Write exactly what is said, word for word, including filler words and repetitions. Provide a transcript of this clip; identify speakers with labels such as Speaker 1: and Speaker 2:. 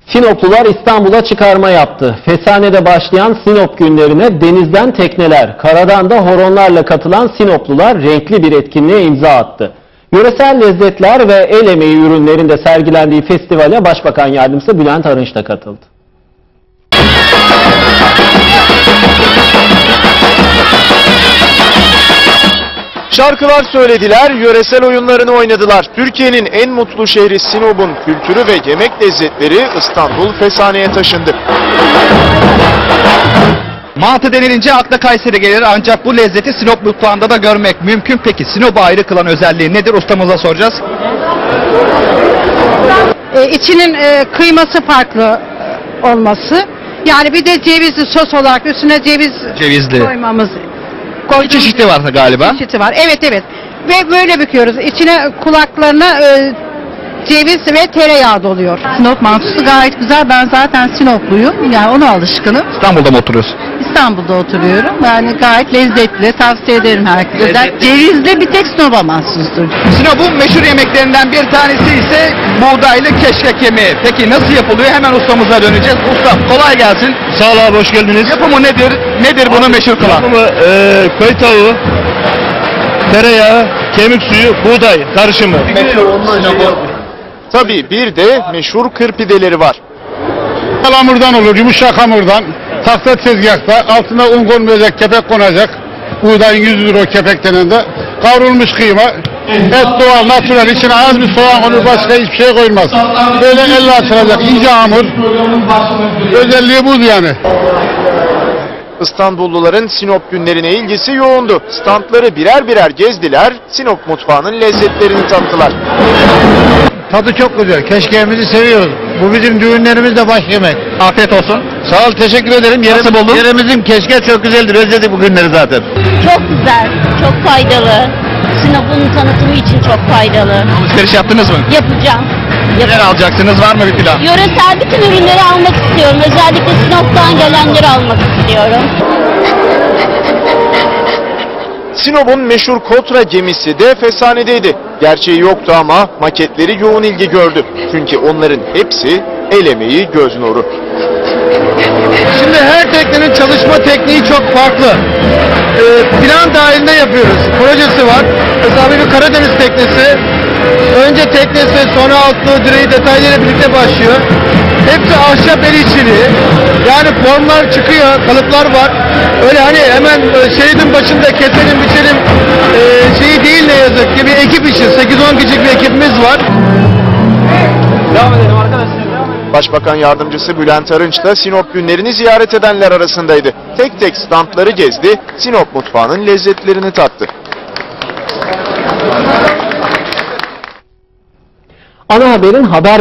Speaker 1: Sinoplular İstanbul'a çıkarma yaptı. Fesane'de başlayan Sinop günlerine denizden tekneler, karadan da horonlarla katılan Sinoplular renkli bir etkinliğe imza attı. Yöresel lezzetler ve el emeği ürünlerinde sergilendiği festivale Başbakan Yardımcısı Bülent Arınç da katıldı.
Speaker 2: Şarkılar söylediler, yöresel oyunlarını oynadılar. Türkiye'nin en mutlu şehri Sinop'un kültürü ve yemek lezzetleri İstanbul Fesane'ye taşındı.
Speaker 3: Mantı denilince akla Kayseri gelir, ancak bu lezzeti Sinop mutfağında da görmek mümkün. Peki Sinop'u ayrı kılan özelliği nedir? Ustamıza soracağız.
Speaker 4: E, içinin e, kıyması farklı olması. Yani bir de cevizli sos olarak üstüne ceviz
Speaker 3: Cevizli.
Speaker 4: koymamız.
Speaker 3: Bir çeşitli var galiba.
Speaker 4: Çeşidi var. Evet evet. Ve böyle büküyoruz. İçine kulaklarına e, ceviz ve tereyağı doluyor.
Speaker 5: Sinop mantısı gayet güzel. Ben zaten Sinopluyum. Yani ona alışkınım.
Speaker 3: İstanbul'da mı oturuyorsun?
Speaker 5: İstanbul'da oturuyorum. Yani gayet lezzetli. Tavsiye ederim herkese.
Speaker 3: Lezzetli.
Speaker 5: Cevizli bir tek Sinop'a mahsustur.
Speaker 3: Sinop'un meşhur yemeklerinden bir tanesi ise buğdaylı keşkek yemeği. Peki nasıl yapılıyor? Hemen ustamıza döneceğiz. Ustam kolay gelsin.
Speaker 6: Sağ ol abi, hoş geldiniz.
Speaker 3: Yapımı nedir? Nedir bunu meşhur kılan?
Speaker 6: Yapımı e, köy tavuğu, tereyağı, kemik suyu, buğday karışımı.
Speaker 2: Tabii bir de meşhur kırpideleri var.
Speaker 6: Hamurdan olur, yumuşak hamurdan. Tahta tezgahta altına un konmayacak, kepek konacak. Buğdayın yüzüdür o kepek denen de. Kavrulmuş kıyma, et doğal, natürel, içine az bir soğan konur, başka hiçbir şey koyulmaz. Böyle elle açılacak, ince hamur. Özelliği bu yani.
Speaker 2: İstanbulluların Sinop günlerine ilgisi yoğundu. Standları birer birer gezdiler, Sinop mutfağının lezzetlerini tattılar.
Speaker 6: Tadı çok güzel, keşkeğimizi seviyoruz. Bu bizim düğünlerimizde baş yemek.
Speaker 3: Afiyet olsun.
Speaker 6: Sağ ol, teşekkür ederim. Yerim,
Speaker 3: Nasıl buldun?
Speaker 6: Yerimizin keşke çok güzeldir, özledik bu günleri zaten.
Speaker 7: Çok güzel, çok faydalı. Sinop'un tanıtımı için çok faydalı.
Speaker 3: Alışveriş yaptınız mı?
Speaker 7: Yapacağım.
Speaker 3: Neler alacaksınız? Var mı bir plan?
Speaker 7: Yöresel bütün ürünleri almak istiyorum. Özellikle Sinop'tan gelenleri almak istiyorum.
Speaker 2: Sinop'un meşhur Kotra gemisi de Fesane'deydi. Gerçeği yoktu ama maketleri yoğun ilgi gördü. Çünkü onların hepsi el emeği, göz nuru.
Speaker 6: Şimdi her teknenin çalışma tekniği çok farklı. Ee, plan dahilinde yapıyoruz. Projesi var. Mesela bir Karadeniz teknesi. Önce teknesi, sonra altlığı, direği detaylarıyla birlikte başlıyor. Hepsi ahşap el işçiliği. Yani formlar çıkıyor, kalıplar var. Öyle hani hemen şeridin başında keselim, biçelim e, şeyi değil ne yazık ki. Bir ekip işi, sekiz on kişilik bir ekibimiz var.
Speaker 1: Devam edelim arkadaşlar.
Speaker 2: Başbakan Yardımcısı Bülent Arınç da Sinop günlerini ziyaret edenler arasındaydı. Tek tek standları gezdi, Sinop mutfağının lezzetlerini tattı.
Speaker 1: Ana haberin haber